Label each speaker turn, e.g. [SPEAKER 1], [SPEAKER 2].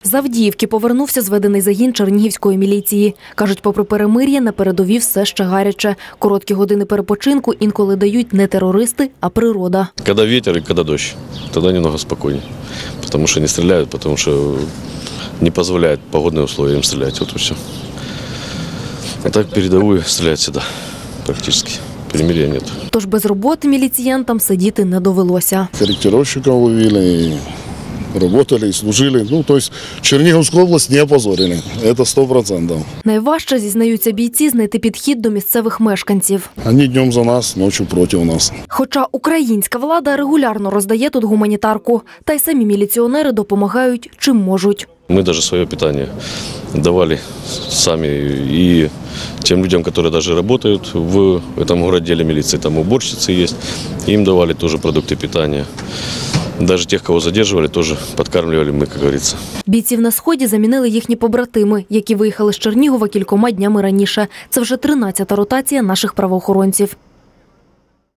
[SPEAKER 1] З Авдіївки повернувся зведений загін чернігівської міліції. Кажуть, попри перемир'я, на передовій все ще гаряче. Короткі години перепочинку інколи дають не терористи, а природа.
[SPEAKER 2] Коли вітер і коли дощ, тоді немного спокійніше. Тому що не стріляють, тому що не дозволяють погодні умови їм стріляти. От і все. А так передову стріляють завжди, практично. Перемир'я немає.
[SPEAKER 1] Тож без роботи міліціянтам сидіти не довелося.
[SPEAKER 3] Корректировщиков ловили, работали, служили. Ну, то есть Черниговскую область не опозорили. Это 100%.
[SPEAKER 1] Найважче, зізнаються бійці, знайти підхід до місцевих мешканців.
[SPEAKER 3] Они днем за нас, ночью против нас.
[SPEAKER 1] Хоча українська влада регулярно роздає тут гуманітарку. Та й самі міліціонери допомагають, чим можуть.
[SPEAKER 2] Мы даже свое питание давали сами и тем людям, которые даже работают в этом городделе милиции, там уборщицы есть, им давали тоже продукты питания. Даже тех, кого задерживали, тоже подкармливали мы, как говорится.
[SPEAKER 1] Бійців на Сході замінили їхні побратими, які виїхали з Чернігова кількома днями раніше. Це вже 13-та ротація наших правоохоронців.